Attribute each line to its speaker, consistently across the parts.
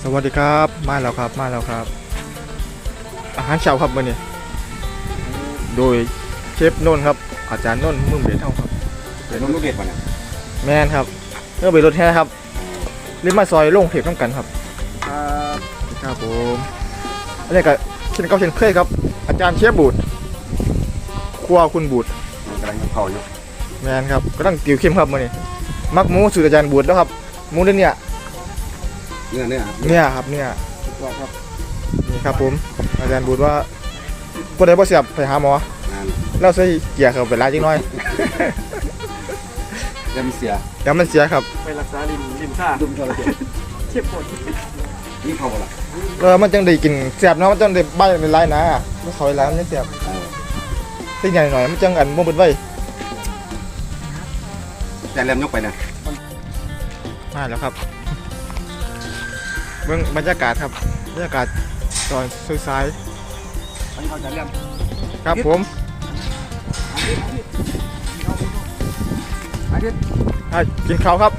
Speaker 1: วัสดีครับมาแล้วครับอาหารเช้าครับมื้อนี้โดยเชฟนนท์ครับอาจารย์นนท์มือเบสเท่าครับ
Speaker 2: เป็นลูกเด็ดป่ะเนี่ย
Speaker 1: แมนครับเมื่อไปรถแท้ครับรีบมาซอยลงเทปต้องกันครับครับผมอันนี้ก็เช่นเก่าเช่นเคยครับอาจารย์เชฟบูดครัวคุณบูด
Speaker 2: มันกำลังเผาอยู่
Speaker 1: แมนครับก็ต้องติวเข้มครับมื้อนี้มักหมูสูตรอาจารย์บูดแล้วครับหมูเนี่ย
Speaker 2: เนี่ย
Speaker 1: ครับเนี่ย
Speaker 2: ครับ
Speaker 1: นี่ครับผมอาจารย์บูดว่าบ่ได้บ่เสียบไปหาหมอ
Speaker 2: งาน
Speaker 1: เราใส่เกียร์เข้าไปหลายจังน้อย
Speaker 2: จะมีเสีย
Speaker 1: แล้วมันเสียครับ
Speaker 3: ไปรักษาริมท่า
Speaker 2: ดุมทรเจ็บ
Speaker 3: เจ็บปวด
Speaker 2: นี่เผาละ
Speaker 1: มันจังได้กินแซ่บเนาะมันจังได้ใบเป็นลายนะมันเข้าไปหลายมันจังแซ่บสิ่งใหญ่หน่อยมันจังอันบ่เบิดไว้
Speaker 2: แต่เริ่มยกไปเนี่ย
Speaker 1: มาแล้วครับเบิ่งบรรยากาศครับบรรยากาศตอนสาย
Speaker 2: อันนี้เขาจะเริ่ม
Speaker 1: ๆครับผม
Speaker 2: อาทิตย์
Speaker 1: กินข้าวครับ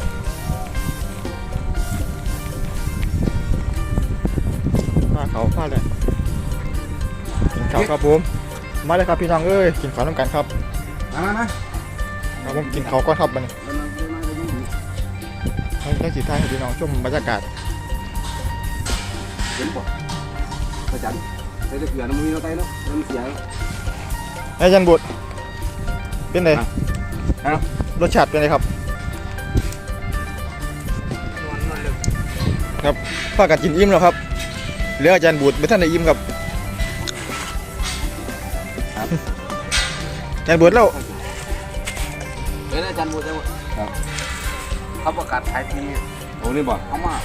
Speaker 1: ผ้าเลยกินข้าวครับผมมาเลยครับพี่น้องเอ้ยกินข้าวน้ำกันครับ
Speaker 2: มา
Speaker 1: ครับผมกินข้าวก่อนครับมันให้สีท้ายให้พี่น้องชมบรรยากาศ
Speaker 2: เห็นป่ะประจันใส่เกลือน้ำมือเราไตเนาะน้ำเสีย
Speaker 1: อาจารย์บุตรเป็นไง
Speaker 2: ครับ
Speaker 1: รสชาติเป็นไงครับครับพากันกินอิ่มแล้วครับเหลืออาจารย์บุตรไม่ท่านได้อิ่มครับอาจารย์บุตรแล้ว
Speaker 3: เฮ้ยอาจารย์บูจะเขาประกาศขายที
Speaker 2: โอ้นี่บ่
Speaker 3: เขามา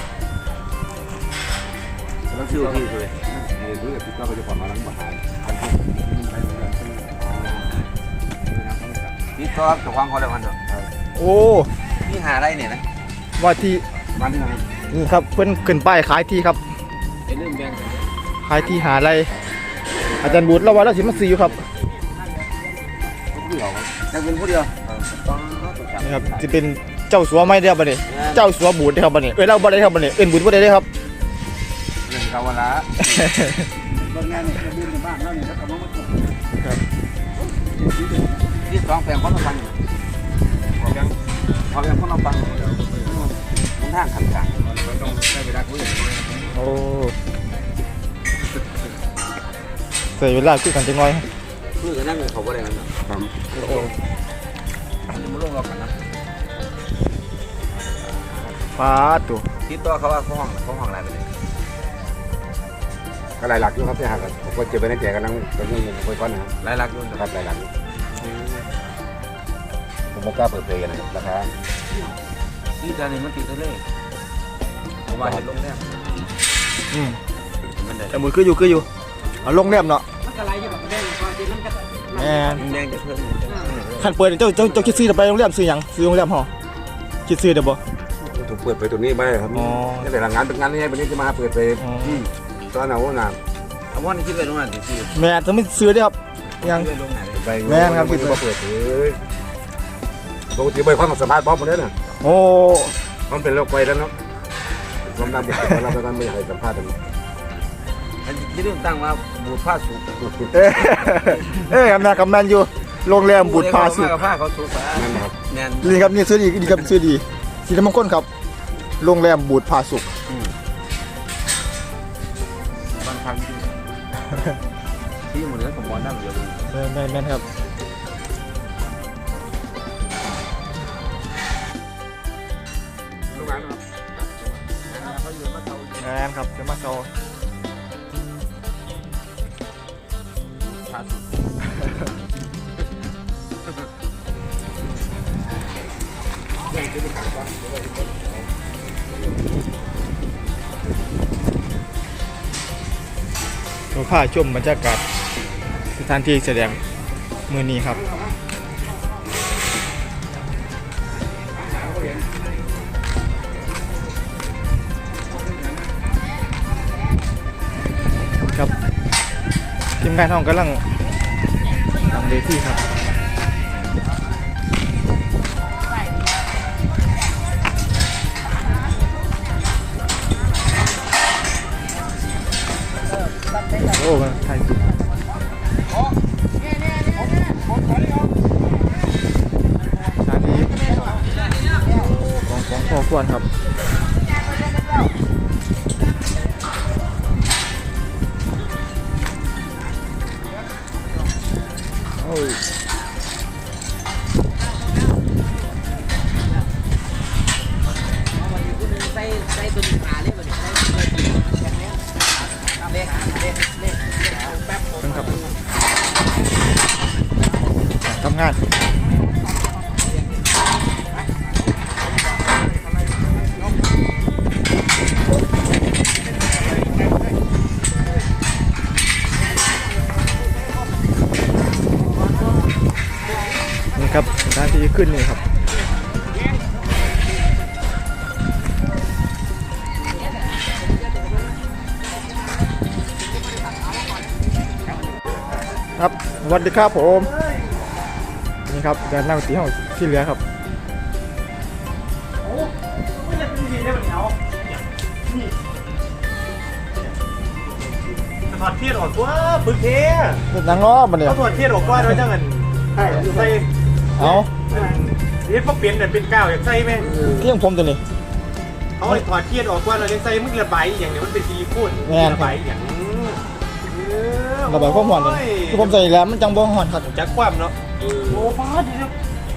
Speaker 3: เราชื่อที่เลย
Speaker 2: รู้แต่พี่ก็จะผ่อนมาแล้วบ่หาย
Speaker 3: นี่ก็จะวางเขาแล้วกันเถอะ
Speaker 1: โอ้
Speaker 3: นี่หาอะไรเนี่ยนะ
Speaker 1: ว่าที่
Speaker 2: บ้านที่ไหน
Speaker 1: นี่ครับเพิ่นขึ้นป้ายขายที่ครับ
Speaker 3: เป็นเรื่องแบง
Speaker 1: ขายที่หาอะไรอาจารย์บุตรเราว่าเราสิมาซื้ออยู่ครับ
Speaker 2: ผู้หญิง
Speaker 3: จะเป็นผู้เดียวต้อง
Speaker 1: นี่ครับจะเป็นเจ้าสัวไม่ได้ครับบัดนี้เจ้าสัวบูดได้ครับบัดนี้เราบ่ได้ครับบัดนี้บุตรบ่ได้ครับ
Speaker 3: เรื่องกาวละ
Speaker 2: บางงานเนี่ยจะบินในบ้านแล้วเนี่ยแล้วก็มาตก
Speaker 3: ที่สองแปลงเขาต้องฟังขอแบงเขาต้องฟังมันทางขันกลาง
Speaker 2: ต้องได้เวลาคุย
Speaker 1: โอ้ใส่เวลาคุยกันจังหน่อย
Speaker 3: คือกันนั่งเขาบ่ได้กันเนาะ
Speaker 2: ครับ
Speaker 1: โอ้
Speaker 3: มันจะมาลงเรากันนะ
Speaker 1: ฟ้าตัว
Speaker 3: ที่ตัวเขาว่าเขาห้องอะไรไปเลย
Speaker 2: ก็หลายหลักอยู่ครับที่หักผมก็เจ็บไปในแจกำลังคุยก้อนนะครับ
Speaker 3: หลายลักยุ่น
Speaker 2: ครับหลายหลักผมไม่กล้าเปิดเผยกันนะครับราคา
Speaker 3: ที่จานนี้มันติดทะเลผมว่าเห็นลงแรก มันได้
Speaker 1: แต่บุตรคืออยู่เอาลงแนบเนาะ
Speaker 4: มันก็ไหลอยู่แบบแดงความจริงมันก็
Speaker 1: แมน
Speaker 3: แดงจะเพิ่ม
Speaker 1: ขันเปิดเจ้าคิดซื้อไปโรงแรมซื้อหยังซื้อโรงแรมหอคิดซื้อเด้อบ่
Speaker 2: ถูกเปิดไปตัวนี้ไปครับ
Speaker 1: อ๋อ
Speaker 2: นี่แต่ละงานเป็นงานที่ให้วันนี้จะมาเปิดไปที่ตอนเอาหนา
Speaker 3: เอาว่านี่คิดไปตรงนั้นสิ
Speaker 1: แม่จะไม่ซื้อได้อครับยัง
Speaker 3: คิดไปตรงไหน
Speaker 2: ไปเปิดเลยปกติไปความสัมภาษณ์บ๊อบมาแล้วน่ะ
Speaker 1: โอ้
Speaker 2: มันเป็นโรคไวแล้วเนาะความดันเด็กเราไปกันไม่ให้สัมภาษณ์กัน
Speaker 3: ที่เรื่องตั้งว่าบูดผ้าสูบ
Speaker 1: กับแมนอยู่โรงแรมบุตรพาสุ
Speaker 3: ผ้าเขาสูบ
Speaker 2: นั่นนะครับ
Speaker 3: แมน
Speaker 1: นี่ครับนี่ซื้อดีครับซื้อดีสีน้ำมันข้นครับโรงแรมบุตรพาสุข
Speaker 3: บางครั้งที่หมดเนื้อผมบอลได้เยอะเลย
Speaker 1: แม่นครับแม่นครับจะมาโซ
Speaker 3: ผ้าสูบ
Speaker 1: เราพาชมบรรยากาศสถานที่แสดงมือนี้ครับครับทีมงานห้องกำลังทำเวทีครับ คอ้มันไทยจริงชาทีของพ่อควรครับโอ้ย
Speaker 4: ใส่ตัวนี้ขาเลยมันใส่ตัวนี้แบบนี้เล็กแป๊บ
Speaker 1: ครับทำงานนี่ครับด้านที่ขึ้นนี่ครับครับสวัสดีครับผมนี่ครับการนั่งตีห้องที่เหลือครับ
Speaker 5: ถอดเทียนออกตัวปึกเท
Speaker 1: นังง้อมันเนี่ย
Speaker 5: เขาถอดเทียนออกว่าด้วยจังเงินใส่
Speaker 1: เอา
Speaker 5: นี่พวกเปลี่ยนเนี่ยเป็นก้าวอยากใส่ไหม
Speaker 1: เที่ยงผมตัวนี้
Speaker 5: เขาถอดเทียนออกว่าเราจะใส่มึงระบายอย่างเนี้ยมันเป็นซีฟู้ดระบายอย่าง
Speaker 1: ระบายความร้อนเลยคือผมใส่แล้วมันจังบ่ร้อนครับ
Speaker 5: จักความเนาะโอ้ฟ้าดีครับ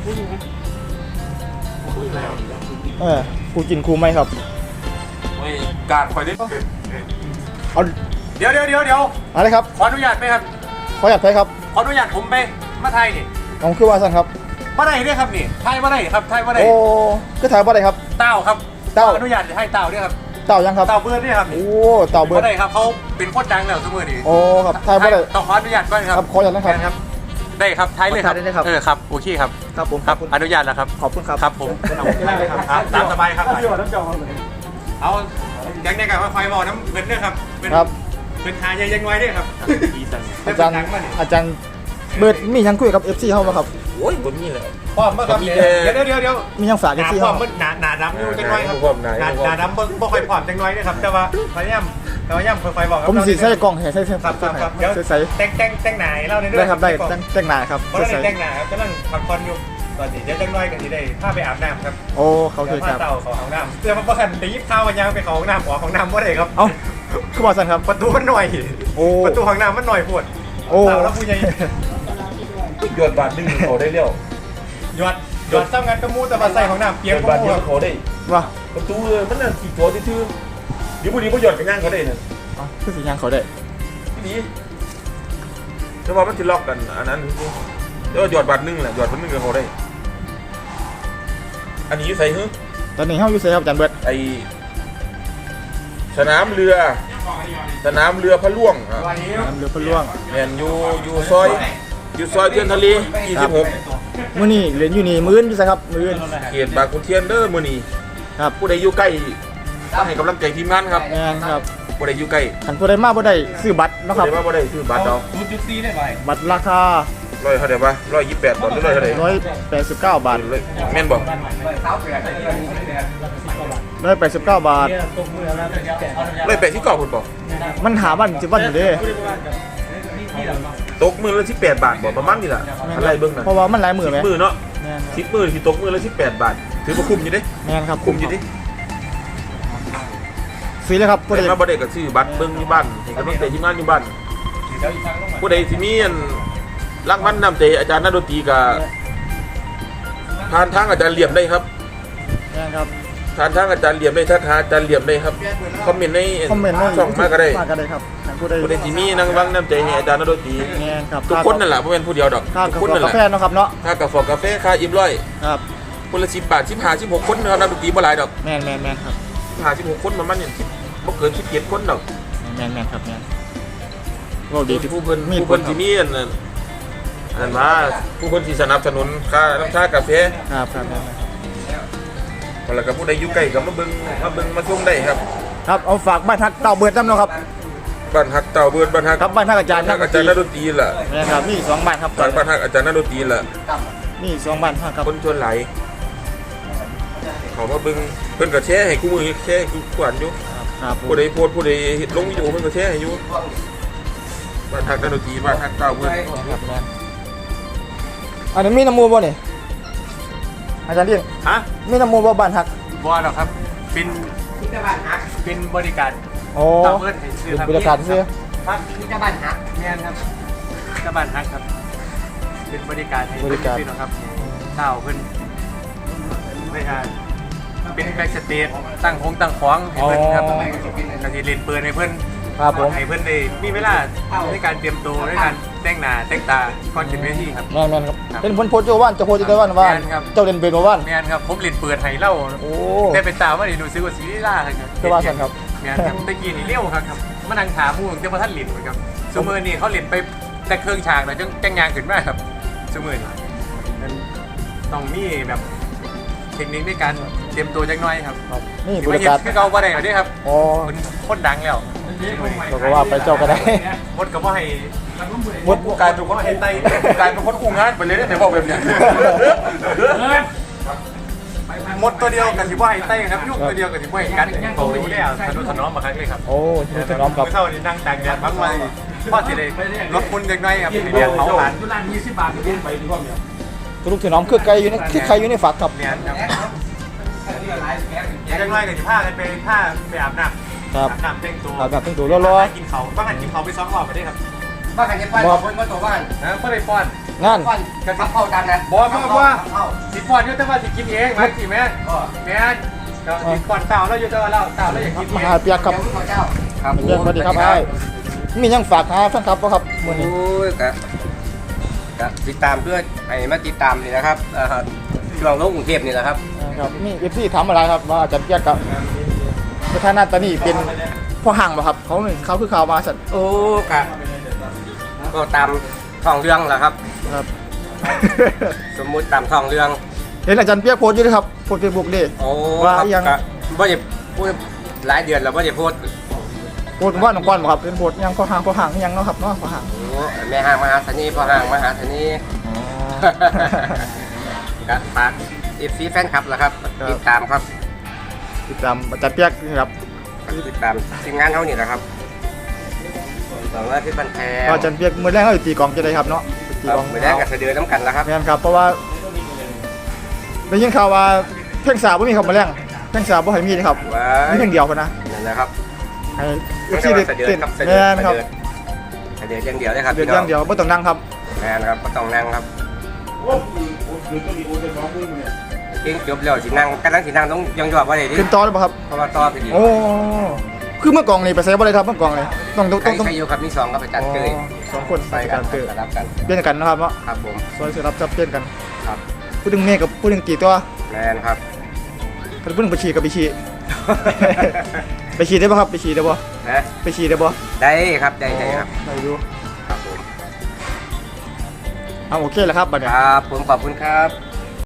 Speaker 1: ครูกินครูไหมครับ
Speaker 2: การคอยได้
Speaker 1: เอา
Speaker 5: เดี๋ยว
Speaker 1: อะไรครับ
Speaker 5: ขออนุญาตไหมครับ
Speaker 1: ขออยากใช้ครับ
Speaker 5: ขออนุญาตผมไปมาไทยนี่
Speaker 1: เอาคือว่าสั่นครับ
Speaker 5: มาได้เนี่ยครับนี่ไทยมาได้ครับไทยมาได้
Speaker 1: โอ้ก็ถ่ายบ่ได้ครับ
Speaker 5: เต้าครับ
Speaker 1: เต้า
Speaker 5: อนุญาตให้เต้าด้วยครับ
Speaker 1: เต่ายังครับ
Speaker 5: เต้าเบิร์ดเนี่ยครับ
Speaker 1: โอ้เต่าเบิร์ด
Speaker 5: มาได้ครับเขาเป็นโคตรดังแล้วเสมอนี่
Speaker 1: โอ้ครับถ่ายบ่ได้
Speaker 5: ต้องขออนุญาตก่อนค
Speaker 1: ค
Speaker 5: รั
Speaker 1: รั
Speaker 5: บบ
Speaker 1: ขออยากนะครับ
Speaker 5: ครับ ได้ครับไทยเลยครับ
Speaker 1: ขอถ่ายได้เลยครับ
Speaker 5: ครับโอเคครับ
Speaker 1: ครับผม
Speaker 5: ครับอนุญาตแล้วครับ
Speaker 1: ขอบคุณครับ
Speaker 5: ครับผม ตามสบายครับเอาอย่างนี้กับว่าไฟบอลน้ำเงินด้วยครับเป็น
Speaker 1: ครับ
Speaker 5: เป็นทายยังไงด้วยครับ
Speaker 1: อาจารย์อาจารย์เบิร์ดมียังคุยกับ FC เฮาบ่ครับ
Speaker 2: โอ้ยผมนี่แหละ
Speaker 5: ความเมื่อครับเดี๋ยว
Speaker 1: มียังฝาก
Speaker 5: หนา
Speaker 1: FC
Speaker 5: ค
Speaker 1: เฮาว
Speaker 5: ามมันหนาดำอยู่จังไงครับหนาดำบ่ค่อยผอมจังไงนะครับแต่ว่าพยายามไฟบอก
Speaker 1: ผมสิใส่กล่องให้ใส่
Speaker 5: ครับเดี๋ยว
Speaker 1: ใส่
Speaker 5: แต่งหนาเล่าในเรื่
Speaker 1: ได้ครับได้แต่งหน้าครับ
Speaker 5: เพราะเราแต่งหนาครับกำลังพักผ่อนอยู่ตอนนี้จะจังไงกันที่ได้พาไปอาบน้ำครับ
Speaker 1: โอ้เขาเคยครับ
Speaker 5: เต่าของห้องน้ำเสื้อมันประคันไปยิบข้าวมันยังไปของห้องน้ำของห้องน้ำว่าไรครับ
Speaker 1: เอ้าคือว่าสั่นครับ
Speaker 5: ประตูมันหน่อย
Speaker 1: โอ้
Speaker 5: ประตูห้องน้ำมันหน่อยปวด
Speaker 1: โอ้
Speaker 5: เต่าแล้วผู้ใหญ่
Speaker 2: หยอดบาทนึงเขาได้เร็ว
Speaker 5: หยอดซ้ำงานกระมูแต่มาใส่ห้องน้ำเปี
Speaker 2: ห
Speaker 5: ย
Speaker 2: ย
Speaker 5: ก
Speaker 2: อด
Speaker 5: กระ
Speaker 2: บาท
Speaker 5: มู
Speaker 2: เดียวเขาได้
Speaker 1: ว่า
Speaker 2: ประตูมันน่ะขี่ตัวที่ชื่อเดี๋ยวพอดีก็หยอดกันย่างเขาได้เนี่ย
Speaker 1: คือสิยังเขาได้
Speaker 2: นี่แต่ว่ามันจะล็อกกันอันนั้นเดี๋ยวหยอดบาทนึงแหละหยอดบาทนึงเขาได้อันนี้ใส่ฮึ
Speaker 1: ตอนนี้เฮาอยู่ไสครับอาจารย์เบิร์ด
Speaker 2: ไอสนามเรือพระล่วงครับ
Speaker 1: น้ำเรือพะล่วง
Speaker 2: แมนอยู่ซอยเทียนทะเล26
Speaker 1: มื้อนี้เรียนอยู่นี่มื้อนอยู่ไสครับมื้อน
Speaker 2: เขตบางขุนเทียนเด้อมื้อนี้
Speaker 1: ครับ
Speaker 2: ผู้ใดอยู่ใกล้ต้องให้กำลังใจทีมงานครับ
Speaker 1: แม่นครับ
Speaker 2: ผู้ใดอยู่ใกล้
Speaker 1: คันผู้ใดมาบ่ได้ซื้อบัตรเนาะครับ
Speaker 2: ผู้ใดว่าบ่ได้ซื้อบัตรเอา
Speaker 5: 0.4ได้ไหม
Speaker 1: บัตรราคา
Speaker 2: ร้อยเท่าไหร่ปะ128บาทหรือร้อยเท่าไหร่
Speaker 1: 189 บาท
Speaker 2: แม่นบอก
Speaker 1: 189 บาท
Speaker 2: 189คนบอก
Speaker 1: มันหาวันสิวันอยู่เด้
Speaker 2: ตกมือละ18 บาทบอกประมาณนี้แหละอะไรเบิ่งน่ะ
Speaker 1: เพราะว่ามันหลายมื้อแหม
Speaker 2: มือเนาะ
Speaker 1: แม่นครับ
Speaker 2: 10มื้อที่ตกมือละ18 บาทถือว่าคุ้มอยู่เด้
Speaker 1: แม่นครับ
Speaker 2: คุ้มอยู่เด้
Speaker 1: ซื้อเลยครับผู้ใด
Speaker 2: แต่มาบ่ได้ก็ซื้อบัตรเบิ่งอยู่บ้านให้กำลังใจทีมงานอยู่บ้านผู้ใดสิมีอันรางวัลนำใจอาจารย์นักดนตรีก็ผ่านทางอาจารย์เหลี่ยมได้ครับ
Speaker 1: แม่นครับ
Speaker 2: ผ่านทางอาจารย์เหลี่ยมได้ทักหาอาจารย์เหลี่ยมได้ครับคอมเมนต์ใน
Speaker 1: คอมเมนต์ใน
Speaker 2: ช่องมาก็ได้
Speaker 1: มาก็ได้ครับคันผู้ใด
Speaker 2: ผู้ใดสิมีนางวังน้ำใจให้อาจารย์นักดนตรี
Speaker 1: แม่นครับ
Speaker 2: ทุกคนนั่นแหละบ่แม่นผู้เดียวดอก
Speaker 1: ค่า
Speaker 2: ทุ
Speaker 1: กาก
Speaker 2: คนนั่นแห
Speaker 1: า
Speaker 2: ละ
Speaker 1: แฟเนาะครับเนาะ
Speaker 2: ค่ากาแฟกาแฟค่าอิ่มร้อย
Speaker 1: ครับ
Speaker 2: คนละ10 บาท15 16คนเนาะนักดนตรีบ่หลายดอก
Speaker 1: แม่นครับ
Speaker 2: 15 16คนประมาณนี้บ่เกิน17คนดอก
Speaker 1: แม่นครับแม่นโอ้ดีที่
Speaker 2: ผู้เพิ่น
Speaker 1: มี
Speaker 2: ผู้เพิ่นสิมีอันนั้นมาผู้เพิ่นสิสนับสนุนค่าน้ำชากาแฟ
Speaker 1: ครับครับแม่น
Speaker 2: แล้วก็ผู้ใดอยู่ใกล้ก็มาเบิ่งมาชมได้ครับ
Speaker 1: ครับเอาฝากบ้านทักเต่าเบิดน้ำเนาะครับ
Speaker 2: บ้านฮักเต่าเบิดบ้านฮัก
Speaker 1: ครับบ้านทักอาจารย์
Speaker 2: นักอาจารย์นักดนตรีล่ะ
Speaker 1: แม่นครับมี2บ้านครับ
Speaker 2: บ้านฮักอาจารย์นักดนตรีล่ะ
Speaker 1: มี2บ้านครับ
Speaker 2: คนชวนไหลายเขามาเบิ่งเพิ่นก็แชร์ให้คู่มือแชร์ให้คู่ขวัญอยู่
Speaker 1: ครับ
Speaker 2: ผู้ใดโพสต์ผู้ใดลงวิดีโอเพิ่นก็แชร์ให้อยู่บ้านทักนักดนตรีบ้านทักเก้าเพื่อน
Speaker 1: ครับแม่นอันนี้มีน้ำมูลบ่นี่อาจารย์เรียง
Speaker 5: ฮะ
Speaker 1: มีน้ำมูลบ่บ้านฮัก
Speaker 5: บอลหรอครับเป็น
Speaker 4: ที่ตะบ้านหัก
Speaker 5: เป็นบริการ
Speaker 1: โอ้
Speaker 5: ตามเพื่อนให้ซื้อครับ
Speaker 1: บริการซื้อ
Speaker 5: ครับ
Speaker 4: ที่ตะบ้านหัก
Speaker 5: แม่นครับตะบ้านฮักครับ เป็นบริการให้
Speaker 1: บริการ
Speaker 5: พี่น้องครับเต้าเพื่อนไม่ใช่เป็นแบ็กสเตจตั้งคงตั้งขวางให้เพื่อนครับกระสีเลนเปิดให้เพื่อน
Speaker 1: ครับผม
Speaker 5: ให้เพื่อนได้มีเวลาในการเตรียมตัวในการแต่งหน้าแต่งตาก่อนขึ้นเวทีครับ
Speaker 1: แม่นครับเป็นคนโพสต์โจว่านจะโพสต์โจว่านว่า
Speaker 5: แม่นครับ
Speaker 1: เจ้าเด่นเป็นบ่ว่าน
Speaker 5: แม่นครับผมเลนเปิดให้เล่า
Speaker 1: โอ้
Speaker 5: ได้เป็นตามว่านี่รู้สึกว่าซีรีส์ล่าครับ
Speaker 1: คือว่าซั่นครับ
Speaker 5: แม่นครับตะกี้นี่เลี้ยวครับมานั่งถามผู้เจ้าพระท่านหลินเหมือนครับซูเมอร์นี่เขาหลินไปแต่เครื่องฉากแล้วจังยางขึ้นมาครับซูเมอร์นี่มันต้องมีแบบเทคนิคในการเตรียมตัวจังน้อยครับ
Speaker 1: ครับนี่
Speaker 5: ที่
Speaker 1: บ
Speaker 5: มา
Speaker 1: ริ
Speaker 5: เห็น
Speaker 1: การ
Speaker 5: คือเขาบ่ได้เอาเด้ครับ
Speaker 1: อ๋อ
Speaker 5: มันโคตรดังแล้ว
Speaker 1: เราก็ว่าไปเจ้าก็ได้
Speaker 5: หมดก็บ่ให้
Speaker 1: หมด
Speaker 2: กลายเป็นคนให้ไต้กลายเป็นคนคู่งานไปเลยเนี่ยบอกแบบเนี้ย
Speaker 5: หมดตัวเดียวกับที่บ่ให้ไต้ครับยุ่งตัวเดียวกับที่บ่ให้กันโตรู้แล้วทะนุถนอมมาครั้งเลยครับ
Speaker 1: โอ้ที่จะน้อมกับ
Speaker 5: เท่านี้นั่งตากแดดพักไว้พ่อสิได้ลดคุณจังน้อยครับเรียนเผาผ่าน
Speaker 4: ร้าน20 บาทเล่นไปดีกว่าเนี่ย
Speaker 1: ลูกที่น้อมคือไก่อยู่ในคือไข่อยู่ในฝักครับ
Speaker 5: เรียนครับ
Speaker 4: หลายแพ็ค
Speaker 5: จังน้อยกับที่ผ้ากันไปผ้าไปอาบน้ำ
Speaker 1: ครับ
Speaker 5: อาบน้ำแต่งตัว
Speaker 1: อาบน้ำแต่งตัวรอ
Speaker 5: กินเขาบ้างกันกินเขาไป2 รอบไปได้ครับ
Speaker 4: บ้านกันจะไปคนมาตัวบ้าน
Speaker 5: นะเพื่อได้ป้อน
Speaker 1: งาน
Speaker 4: บ้านกันเข้ากันนะ
Speaker 5: บอกว่าสิป้อนอยู่แต่ว่าสิกินเองมาสิแม่แม่ก็สิป้อนเต่าแล้วอยู่แต่ว่าเราเต่าแล้วอยากกิน
Speaker 1: ม
Speaker 5: เอง
Speaker 1: หาเปียกครับ
Speaker 4: เจ้าครับ
Speaker 1: เปียกสวัสดีครับไอ้มียังฝากหาแฟนคลับบ่ครับมื้อนี้
Speaker 3: โอ้ยกะติดตามเพื่อให้มาติดตามนี่นะครับช่วงลงกรุงเทพนี่แหละครับ
Speaker 1: ครับมี FC ถามอะไรครับว่าอาจารย์เปียกกับสถานะตอนนี้เป็นพ่อห่างบ่ครับเขาคือข่าวมาสั่น
Speaker 3: โอ้กะก็ตามท้องเรื่องแหละครับ
Speaker 1: ครับ
Speaker 3: สมมุติตามท้องเรื่อง
Speaker 1: เห็นอาจารย์เปียกโพสต์อยู่ด้วยครับโพสต์ Facebook ดิ
Speaker 3: โอ้
Speaker 1: ว่า
Speaker 3: ครับ
Speaker 1: ยัง
Speaker 3: กะบ่ได้พูดหลายเดือนแล้วบ่ได้พูด
Speaker 1: โพสต์ว่าน้องก้อนบ่ครับเป็นโพสต์ยังพ่อห่างยังเนาะครับเนาะพ่อห่าง
Speaker 3: โอ้แม่ห้างมหาธนีพ่อห้างมหาธนี
Speaker 1: อ๋อ
Speaker 3: กะฝากFC แฟนคลับล่ะครับติดตามครับ
Speaker 1: ติดตามอาจารย์เปียกนี่ครับ
Speaker 3: ติดตามทีมงานเฮานี่แหละครับหวังว่าที่บันแทน
Speaker 1: ก็อาจารย์เปียกมื้อแรกเขาสิตีกลองจะได้ครับเนาะตีกลอง
Speaker 3: มือแรกกับเสดือน้ำกันแล้วครับ
Speaker 1: แม่นครับเพราะว่าได้ยินข่าวว่าเพลงสาวบ่มีครับมื้อแรกเพลงสาวบ่ให้มีนะครับ
Speaker 3: ว้า
Speaker 1: มีเพลงเดียวเพิ่นนะ
Speaker 3: นั่นนะครับ
Speaker 1: ให้
Speaker 3: ไม่
Speaker 1: FC
Speaker 3: ใช่
Speaker 1: ได้
Speaker 3: ว่าเสดือ
Speaker 1: เต้น
Speaker 3: ครับเสดื
Speaker 1: แม่นครับ
Speaker 3: เสดืออย่างเดียวเลยครับ
Speaker 1: เดี๋ยว
Speaker 3: พี่น้
Speaker 1: อย่างเดียวบ่ต้องนั่งครับ
Speaker 3: แม่นครับก็ต้องนั่งครับเพลงจบแล้วสินั่งกำลังสินั่งต้องยังหยอบว่าได้ดิ
Speaker 1: ขึ้นต่อได้บ่ครับ
Speaker 3: เพราะว่าต่อไปดี
Speaker 1: โอ้คือเมื่อกองนี่ไปใส่บ่ได้ครับเมื่อกองนี่ต้อง
Speaker 3: ใครอยู่ครับมี2ครับอาจารย์เกย
Speaker 1: สองคน
Speaker 3: ไป
Speaker 1: ไป
Speaker 3: กั
Speaker 1: กัน นเตอ
Speaker 3: สลับกัน
Speaker 1: เปลี่ยนกันนะครับเนาะ
Speaker 3: ครับผม
Speaker 1: ซอยสิรับจับเปลี่ยนกัน
Speaker 3: ครับ
Speaker 1: ผู้หนึงเมฆกับผู้หนึงตีตัว
Speaker 3: แม่นครับ
Speaker 1: ผู้หนึงไปฉี่กับไปฉี่ ไปฉี่ได้บ่ครับไปฉี่ได้บ่
Speaker 3: นะ
Speaker 1: ไปฉี่ได้บ่
Speaker 3: ได้ครับได้ครับ
Speaker 1: ได้อยู่
Speaker 3: ครับผม
Speaker 1: เอาโอเคแล้วครับบัดเนี้
Speaker 3: ครับผมขอบคุณครับ